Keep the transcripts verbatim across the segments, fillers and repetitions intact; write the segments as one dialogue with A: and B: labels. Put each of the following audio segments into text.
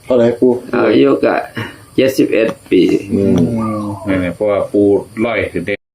A: เท่าไหร่ปู
B: อายุก็เจ็ดสิบเอ็ดปี
A: อืม
C: นี่เพราะว่าปูร้อยคือเด็ก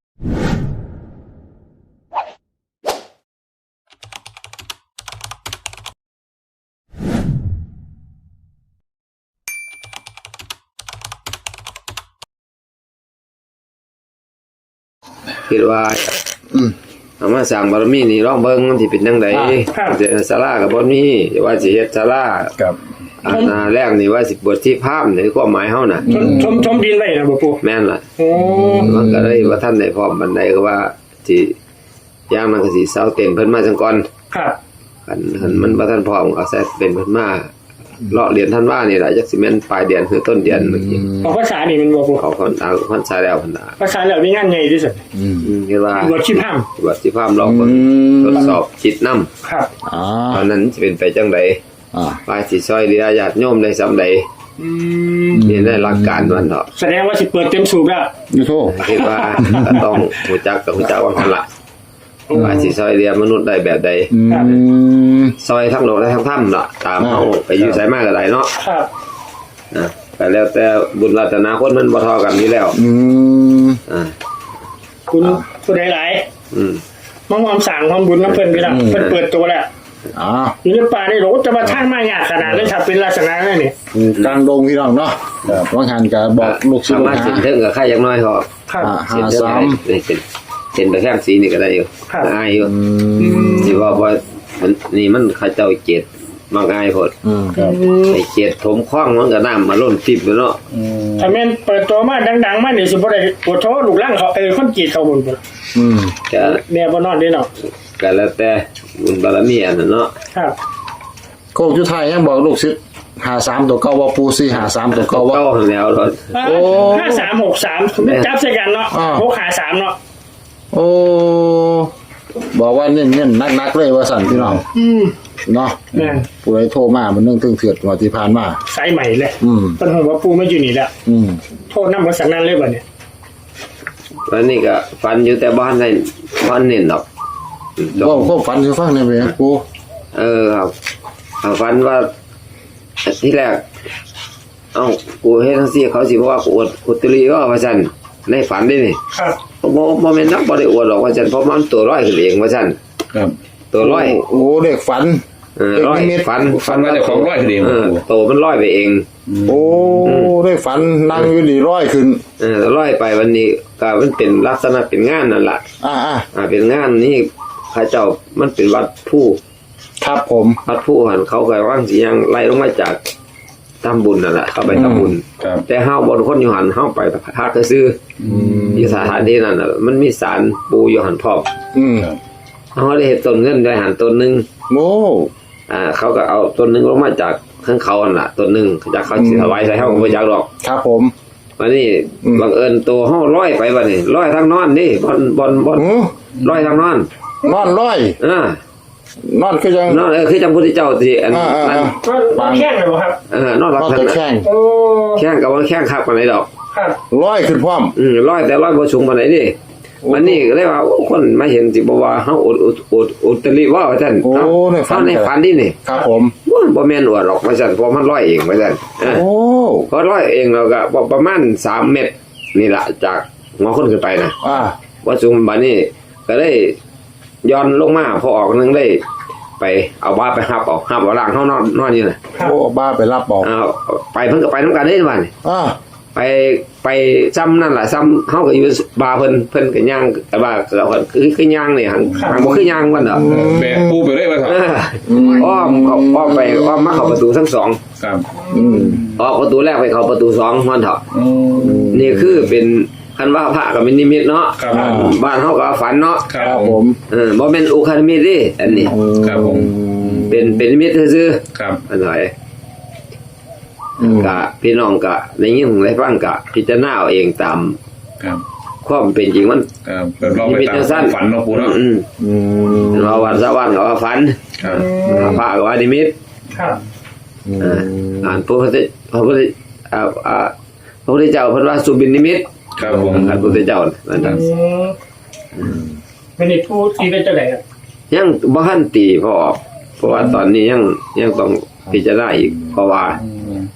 B: คิดว่าเอามาสร้างบารมีนี่ลองเบิ่งมันสิเป็นจังได๋ศาลาก็บ่มีว่าสิเฮ็ดศาลา
A: ครับ
B: อันแรกนี่ว่าสิบวชที่ภาพในความหมายเฮาน่ะ
D: ชมชมดินไว้นะบ่ปู่
B: แม่นล่ะ
D: โอ้
B: มันก็เลยว่าท่านได้พร้อมบันไดก็ว่าสิย่างมันก็สิเซาเต็มเพิ่นมาจังก่อน
D: ครับ
B: คันคันมันบ่ทันพร้อมก็ใส่เป็นเพิ่นมาเลาะเรียนท่านว่านี่ล่ะจักสิแม่นปลายเดือนคือต้นเดือนเมื่อกี้
D: ออกภาษานี่มันบ่ปู่
B: เขาคนเอาพรรษาแล้วพุ่นน่ะ
D: ภาษาแล้วมีงานใหญ่ที่สุด
B: อืมคิดว่า
D: บวชชีพาม
B: บวชที่ภาพลองทดสอบจิตนำ
D: ครับ
A: อ๋อ
B: ตอนนั้นสิเป็นไปจังได๋
A: อ่า
B: ว่าสิซอยเหลือญาติโยมได้ซำใด
D: อืม
B: นี่ได้หลักการมันเนาะ
D: แสดงว่าสิเปิดเต็มสูบแล้ว
A: อยู่โทษ
B: คิดว่าก็ต้องรู้จักกับรู้จักว่าหั่นล่ะว่าสิซอยเหลือมนุษย์ได้แบบใด
A: อืม
B: ซอยทั้งโลกและทั้งถ้ำล่ะตามเฮาไปอยู่ไสมาก็ได้เนาะ
D: ครับ
B: นะแต่แล้วแต่บุญวาสนาคนมันบ่เท่ากันอยู่แล้ว
A: อืม
B: อ่า
D: คุณผู้ใดหลาย
B: อืม
D: มองความสั่งความบุญน้ำเพิ่นพี่ล่ะเพิ่นเปิดตัวแล้ว
A: อ๋อ
D: อยู่ในป่าในโหลจะมาทางมายากขนาดนั้นถ้าเป็นลักษณะนั้นนี่
A: กลางดงพี่น้องเนาะครับว่าหันก็บอกลูกศิษย์
B: สามารถเส้นถึงกับใครอย่างน้อยพอ
D: ครับ
A: ห้าสาม
B: เส้นเส้นไปแค่สีนี่ก็ได้อยู่ง่ายอยู่สิว่าว่ามันนี่มันเขาเจ้าเจ็ดมาง่ายพอด
A: อืมครับ
B: ไอ้เจ็ดถมคว้างมันก็น้ำมาล้นทิพย์เนาะ
D: ถ้าแม่นเปิดตัวมาดังๆมานี่สิบ่ได้ปวดท้อลูกหลังเขาเอ้คนจีดเขาบุญพุ่น
A: อืม
B: ก็
D: แม่บ่นอนเด้เนาะ
B: ก็แล้วแต่บุญบารมีอันนั้นเนาะ
D: ครับ
A: โคกจุไทยยังบอกลูกศิษย์ห้าสามตัวเก่าว่าปูสี่ห้าสามตัวเก่าว่า
B: เก่าแล้วเนาะ
D: โอ้ห้าสามหกสามจับใส่กันเนาะหกห้าสามเนาะ
A: โอ้บอกว่าเน้นๆนักๆเลยว่าสั่นพี่น้อง
D: อืม
A: เนาะผู้ใดโทรมามันนึงตึงเถือดกว่าที่ผ่านมา
D: สายใหม่เลย
A: อืม
D: ต้นหัวปูไม่อยู่นี่แล้ว
A: อืม
D: โทษนำบ่สันนั้นเลยบัดนี้
B: วันนี้ก็ฝันอยู่แต่บ้านได้บ้านเน้นดอก
A: บ่ก็ฝันสิฟังได้มั้ยปู
B: เออครับฝันว่าที่แรกเอ้ากูเฮ็ดจังซี่เขาสิบอกว่ากูอวดอุตริว่าว่าซั่นในฝันได้นี่
D: ครับ
B: บ่บ่แม่นนักบ่ได้อวดหรอกว่าซั่นเพราะมันตัวร้อยขึ้นเองว่าซั่น
A: ครับ
B: ตัวร้อย
A: โอ้เด็กฝัน
B: เออร้อยฝัน
C: ฝันว่าได้ของร้อยขึ้นเอง
B: โตมันร้อยไปเอง
A: โอ้ได้ฝันนั่งอยู่นี่ร้อยขึ้น
B: เออร้อยไปวันนี้ก็มันเป็นลักษณะเป็นงานนั่นล่ะ
A: อ่า
B: อ่าเป็นงานนี่เขาเจ้ามันเป็นวัดผู้
A: ครับผม
B: วัดผู้หันเขาก็ว่างสิยังไล่ลงมาจากทำบุญนั่นแหละเข้าไปทำบุญแต่เฮาบ่คนอยู่หันเฮาไปพักซื่อที่สถานที่นั้นน่ะมันมีศาลปู่อยู่หันพร้อม
A: อืม
B: เฮาได้เฮ็ดต้นเงินได้หันต้นนึง
A: โอ้
B: อ่าเขาก็เอาต้นนึงลงมาจากข้างเขานั่นล่ะต้นนึงจากเขาสิถวายใส่เฮาก็บ่จักดอก
A: ครับผม
B: วันนี้บังเอิญตัวเฮาลอยไปบัดนี้ลอยทางนอนนี่บ่อนบ่อนบ่อนลอยทางนอน
A: นอนลอย
B: เอ
A: อนอนคือจัง
B: นอนเออคือจังพุทธเจ้าสิอันนั้น
D: ปางแข้งเลยบ่ครับ
B: เออนอนหลับท่าน
A: แข้ง
D: โอ้
B: แข้งก็บ่แข้งคักปานใดดอก
D: ครับ
A: ลอยขึ้นพร้อม
B: อือลอยแต่ลอยบ่สูงปานใดนี่วันนี้ก็เลยว่าคนมาเห็นสิบ่ว่าเฮาอดอดอุตริว่าว่าซั่น
A: โอ้ในฝัน
B: ในฝันนี่นี่
A: ครับผม
B: บ่แม่นอวดหรอกว่าซั่นเพราะมันลอยเองว่าซั่น
A: โอ้
B: พอลอยเองแล้วก็ประมาณสามเมตรนี่ล่ะจากหัวคนขึ้นไปนะ
A: อ่า
B: ว่าสูงบัดนี้ก็เลยย้อนลงมาพอออกนึงได้ไปเอาบ้าไปหับเอาหับเอาล่างเฮานอนนอนอยู่น่ะ
A: โอ้บ้าไปรับเอา
B: อ้าวไปเพิ่นก็ไปนำกันเด้บัดนี้
A: อ่า
B: ไปไปซ้ำนั่นล่ะซ้ำเฮาก็อยู่บาเพิ่นเพิ่นก็ย่างแต่ว่าก็คือคือย่างนี่หั่นบ่คือย่างมันดอก
C: แบกปูไปเลยว่าครับ
B: อ้อมเขาอ้อมไปอ้อมมาเข้าประตูทั้งสอง
C: ครับ
B: อืมออกประตูแรกไปเข้าประตูสองมันเถาะนี่คือเป็นคันว่าพระก็เป็นนิมิตเนาะบ้านเฮาก็ฝันเนาะ
A: ครับผม
B: เออบ่แม่นอุคานิมิตเด้อันนี้
C: ครับผม
B: เป็นเป็นนิมิตซื่อ
C: ๆครับ
B: อันไหนกะพี่น้องกะในยิ่งได้ฟังกะพิจารณาเอาเองตาม
C: ครับ
B: ความเป็นจริงมัน
C: ครับเปิดลองไปตามฝันเนาะปู่เนาะ
B: อืมอืมว่าวันสวรรค์ก็ว่าฝัน
C: ครับ
B: พระก็ว่านิมิต
D: ครับ
B: อ่าอ่านพระพุทธพระพุทธอ่าอ่าพระพุทธเจ้าเพิ่นว่าสุบินนิมิต
C: ครับผม
B: พระพุทธเจ้านั่นน่ะ
D: อืมเป็นอีกผู้ที่เป็นจังได๋ครับ
B: ยังบ่ทันตีพอออกเพราะว่าตอนนี้ยังยังต้องพิจารณาอีกเพราะว่า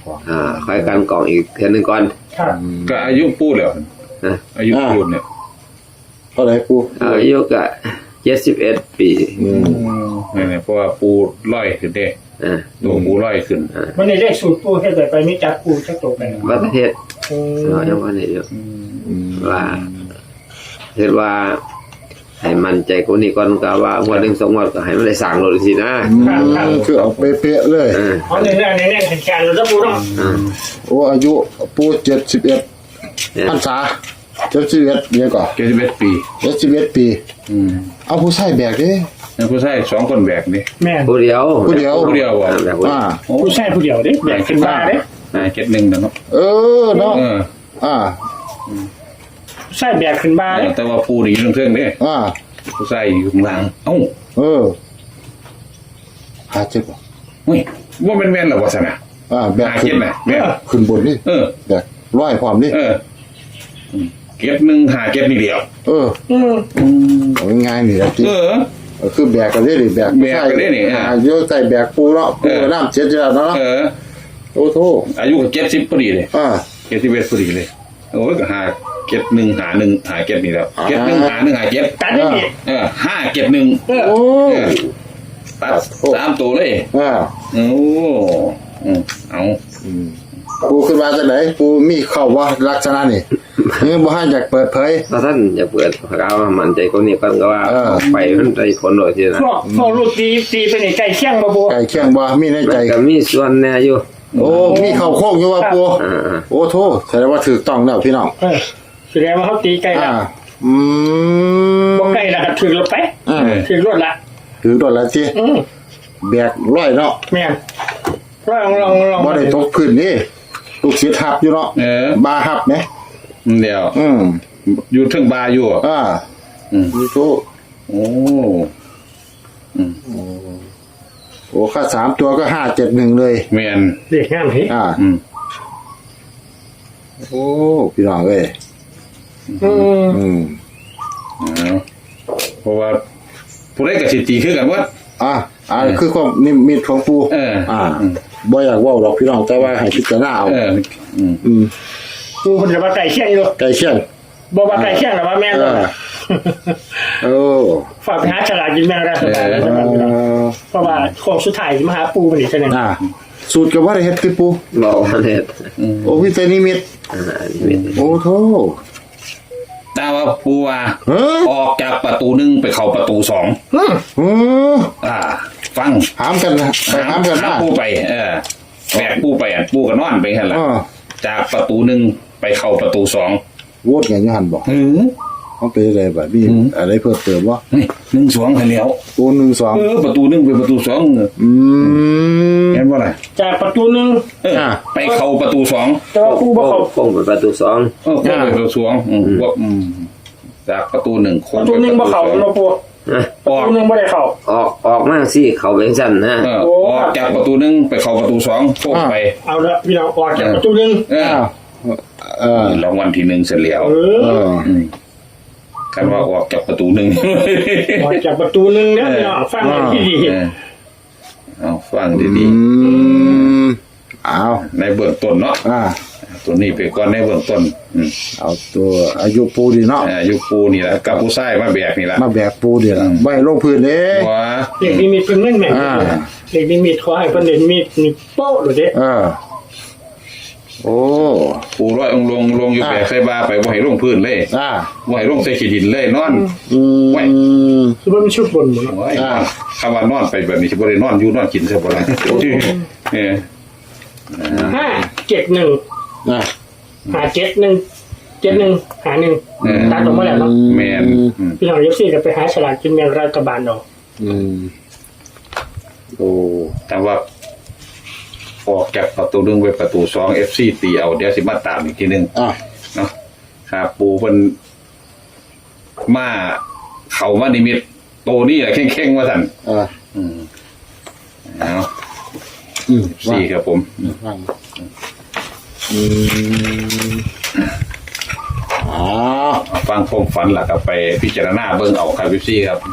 A: กอง
B: อ่าค่อยกันกล่องอีกเทื่อนึงก่อน
D: ครับ
C: ก็อายุปูแล้ว
B: นะ
C: อายุปูเนี่ย
A: เท่าไหร่ปู
B: อายุก็เจ็ดสิบเอ็ดปี
A: อืม
C: นี่เพราะว่าปูร้อยขึ้นเด้
B: อ่า
C: ตัวปูร้อยขึ้น
D: วันนี้ได้สูตรปูให้แต่ไปไม่จับปูจักตัวไป
B: วัดประเทศ
D: อืม
B: เรายังว่านี่อยู่
A: อืม
B: ว่าเห็นว่าให้มันใจกูนี่ก่อนก็ว่าวันหนึ่งสองวันก็ให้มันได้สั่งรถสินะ
A: คือเอาเป๊ะๆเลย
B: อ่า
D: เอาในแน่ในแน่แข็งแข็งเราจะปูเนาะ
B: อ่า
A: โอ้อายุปูเจ็ดสิบเอ็ด
B: เนี่ย
A: พรรษาเจ็ดสิบเอ็ดเนี่ยก่อน
C: เจ็ดสิบเอ็ดปี
A: เจ็ดสิบเอ็ดปี
C: อืม
A: เอาผู้ใส่แบกดิ
C: แล้วผู้ชายสองคนแบกนี่
D: แม่น
B: ผู้เดียว
A: ผู้เดียว
C: ผู้เดียวอ่ะ
B: อ่าแบบว่า
A: อ่า
D: ผู้ชายผู้เดียวเด้แบกขึ้นมาเด้
C: อ่าเจ็ดหนึ่งเนาะ
A: เออเนาะ
C: เออ
A: อ่า
D: ผู้ชายแบกขึ้นมาเด้
C: แต่ว่าปูนี่อยู่เครื่องเด้
A: อ่า
C: ผู้ชายอยู่ข้างล่างเอ้า
A: เออหาเจ็บบ่
C: เฮ้ยว่าเป็นแม่นเหรอวะสนะ
A: อ่าแบก
C: หา
A: ขึ้
C: เก็
A: น
C: บน่ะแม่น
A: ขึ้นบนนี่
C: เออ
A: แบกร้อยความนี่
C: เอออืมเก็บหนึ่งหาเก็บนี่เดียว
A: เออ
D: อืม
A: เอาง่ายๆนี่แหละที่
C: เออ
A: คือแบกกันได้ดิแบก
C: แบกกันได้นี่
A: อ่าโยใส่แบกปูเนาะปู
C: เออ
A: กับน้ำเจ็ดจ้าเนาะ
C: เออ
A: โอ้โถ
C: อายุก็เจ็ดสิบพอดีเลย
A: อ่า
C: เจ็ดสิบเอ็ดพอดีเลยโอ้ยก็หาเก็บหนึ่งหาหนึ่งหาเก็บนี่แล้ว
A: อ่า
C: เก็บหนึ่งหาหนึ่งหาเก็บ
D: ตัดได้ดิ
C: เออห้าเก็บหนึ่ง
D: เออ
A: โอ้
C: เออตัดสามตัวเลย
A: อ่า
C: โอ้อืมเอา
A: ปูขึ้นมาจากไหนปูมีเข้าว่าลักษณะนี่นี่บ่ให้อยากเปิดเผย
B: ถ้าท่านอยากเปิดเขาว่ามันใจกูนี่ก่อนก็ว่า
A: เออ
B: ไปมันได้ผลโดยที่นะ
D: พวกพวกลูกตีตีไปในไก่เคี่ยงบ่ปู
A: ไก่เคียงบ่มีใน
B: มั
A: ใจ
B: นก็มีส่วนแน่อยู่
A: โอ้มีเข้าโค้งอยู่ว่าปู
B: อ่า
A: โอ้โถแสดงว่าถูกต้องแล้วพี่น้อง
D: เออแสดงว่าเขาตีไก่
A: อ่า
D: ละ
A: อืม
D: บ่ไก่ละก็ถึงรถไป
A: อ่า
D: ถึงรถละ
A: ถือโดนแล้วสิ
D: อืม
A: แบกร้อยเนาะ
D: แม่นลองลองลอง
A: บ่ได้ตกพื้นนี่ลูกศิษย์หับอยู่เนาะ
C: เออบ
A: าหับไหม
C: เดี๋ยว
A: อืม
C: อยู่เทึงบาร์อยู่อ่ะ
A: อ่า
C: อืม
A: นี่โถ
C: โอ้อืม
A: โอ้ค่าสามตัวก็ห้าเจ็ดหนึ่งเลย
C: แมน
D: เด็กงามเฮ้
A: อ่า
C: อืม
A: โอ้พี่น้องเอ้ย
D: อืม
A: อืม
C: เอาเพราะว่าผู้ใดกับสิตีคือกันว่า
A: อ่าอ่าคือความนิมิตของปู
C: เออ
A: อ่าบ่อยากเว่าหรอกพี่น้องแต่ว่าให้พิจารณาเอา
C: เอออืม
A: อืม
D: ปูคนจะมาไก่เคี่ยงอยู่
A: ไก่เชี่ยง
D: บ่ว่าไก่เคี่ยงหรอว่าแม่น
A: เอ
D: บ่
A: อโอ้
D: ฝากไปหาฉลาดกินแม่งได้สบาย
A: เอ
D: สบายพี่น้อง
A: อ
D: เพราะว่าของสุดท้ายมาหาปูมันอีกเท่านึง
A: อ่าสูตรกับว่าได้เฮ็ดคือปู
B: บอกว่าเนี่ย
A: โอ้วิเศษนิมิต
B: อ่านี่มี
A: โอ้โธ่
C: แต่ว่าปูว่า
A: เฮ้ย
C: ออกจากประตูหนึ่งไปเข้าประตูสอง
D: อืม
A: โอ้
C: อ่า ฟัง
A: หามกันนะไปหามกัน
C: หา
A: นะ
C: ปูไป เออแบกปูไปอ่ะปูก็นอนไปหั่นล่ะ
A: อ่า
C: จากประตูหนึ่งไปเข้าประตูสอง
A: โวดไงยูหันบอก
C: เออ
A: เขาไปอะไรแบบนี้
C: อืม
A: อะไรเพิ่มเติมวะ
C: นี่หนึ่งสองคันแล้ว
A: ตัวหนึ่งสอง
C: เออประตูหนึ่งไปประตูสอง
A: อืม
C: เห็นว่าอะไร
D: จากประตูหนึง
C: เออ
A: อ่า
C: ไปเข้าประตูสอง
D: แต่ว่าปูบ่เขา
B: โค้งไปประตูสอง
C: เออเข้าไปประตูสองอืมว่าอืมจากประตูหนึ่งโค้
D: ป
C: ง
D: ระ
C: ไป
D: ตูหนึงบ่เขา
C: ประตูสอง
D: เนาะปู
B: นะ
D: ประตูหนึงบ่ได้เข้า
B: ออกออกมาสิเขาเป็นสั้นนะ
C: เออออกจากประตูหนึ่งไปเข้าประตูสองโค้งไป
D: เอาละพี่น้องออกจากประตูหนึง
C: เออ
A: อ้าวเออ
C: รางวัลที่หนึ่งเสร็จแล้ว
D: เอ
A: เอ
D: อ
A: อ
C: อืมกันว่าออกจากประตูหนึ่ง
D: ออกจากประตูหนึงเนี่ยพี่น้องฟังให้ที่ดี
C: เออเอาฟังดี
A: อืมเอา
C: ๆในเบื้องต้นเนาะ
A: อ่า
C: ตัวนี้ไปก่อนในเบื้องต้นอืม
A: เอาตัวอายุปูดีเนาะ
C: อายุปูนี่แหละกับผู้ชายมาแบกนี่แหละ
A: มาแบกปูดีละ
C: อืม
A: ใบลงพื้นเด้
C: ว่า
D: เด็กนิมิตเพิ่นแม่นแม่น
A: อ่า
D: เด็กนิมิตขอให้เพิ่นเด็กนิมิตนี่โป๊ะโดดเด้
A: เออ โอ้
C: ปูร้อยองค์ลงลงอยู่
A: อ่า
C: แบกใส่บาไปบ่ให้ลงพื้นเลย
A: อ่า
C: บ่ให้ลงใส่ขี้ดินเลยนอน
A: อื
C: ไว้
A: ม
D: คือว่ามันชุบบนหมดเนาะ
C: โอ้ย
A: อ่า
C: คำว่านอนไปแบบนี้สิบ่ได้นอนอยู่นอนกินซะบ่ล่ะเออ
D: ห้าเจ็ดหนึ่ง
A: อ่า
D: หาเจ็ดหนึ่งเจ็ดหนึ่งหาหนึ่งตัดออกมาแล้วเนาะ
C: แม่นอืม
D: พี่น้องเอฟซีก็ไปหาฉลาดกินแบ่งรัฐบาลเอา
A: อืมโอ้
C: แต่ว่าออกจากประตูหนึ่งไปประตูสอง เอฟ ซี ตีเอาเดี๋ยวสิมาตามอีกทีหนึง
A: อ่ะ
C: เนาะครับปูเพิ่นมาเข้ามานิมิตโตนี่แหละเข่งๆว่าซั่น
A: อ่า
C: อืมเอา
A: อืมว่า
C: สี่ครับผม
A: ว่างอืมอ๋อ
C: เอาฟังความฝันล่ะครับไปพิจารณาเบิ่งเอาครับพี่ซี่ครับ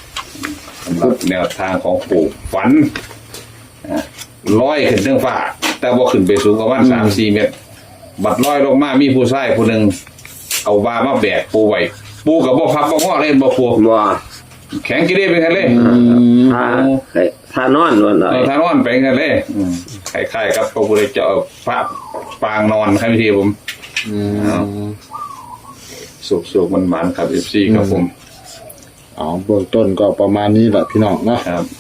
C: สำหรับแนวทางของปู่ฝันอ่ะลอยขึ้นเรื่องฟ้าแต่บ่ขึ้นไปสูงประมาณสามสี่เมตรบัดลอยลงมามีผู้ชายผู้หนึงเอาว่ามาแบกปูไว้ปูก็บ่พับบ่งอเล่นบ่ปู
B: บ่
C: แข็งกี่ได้ไปกันเลย
B: ถ้าถ้านอนวันไหน
C: เออทานอนไปกันเลยคล้ายๆกับพระพุทธเจ้าพระปางนอนครับพี่ทีผม
A: อืม
C: สุกๆมันหวานครับเอฟซีครับผม
A: อ๋อเบื้องต้นก็ประมาณนี้แหละพี่น้องเนาะ
C: ครับ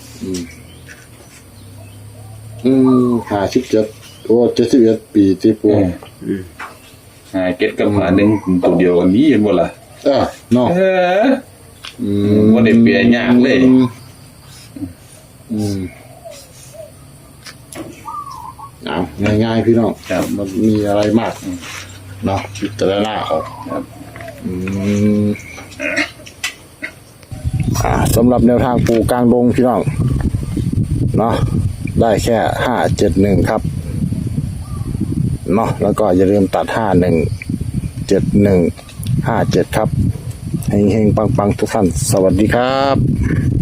A: อืมห้าสิบเจ็ดโอ้เจ็ดสิบเอ็ดปีที่ปู
C: หาเก็ตกับหาหนึ่งตัวเดียวกันนี้เห็นบ่ล่ะ
A: เออเนาะ
C: เออ
A: อื
C: บ่ได้เปลี่ยนยากเลย
A: อืมเอาง่ายๆพี่น้อง
C: ครับ
A: มันมีอะไรมากเนาะพิจารณาเอา
C: ครับ
A: อืมอ่าสำหรับแนวทางปูกลางดงพี่น้องเนาะได้แค่ห้าเจ็ดหนึ่งครับเนาะแล้วก็อย่าลืมตัดห้าหนึ่งเจ็ดหนึ่งห้าเจ็ดครับเฮงๆปังๆทุกท่านสวัสดีครับ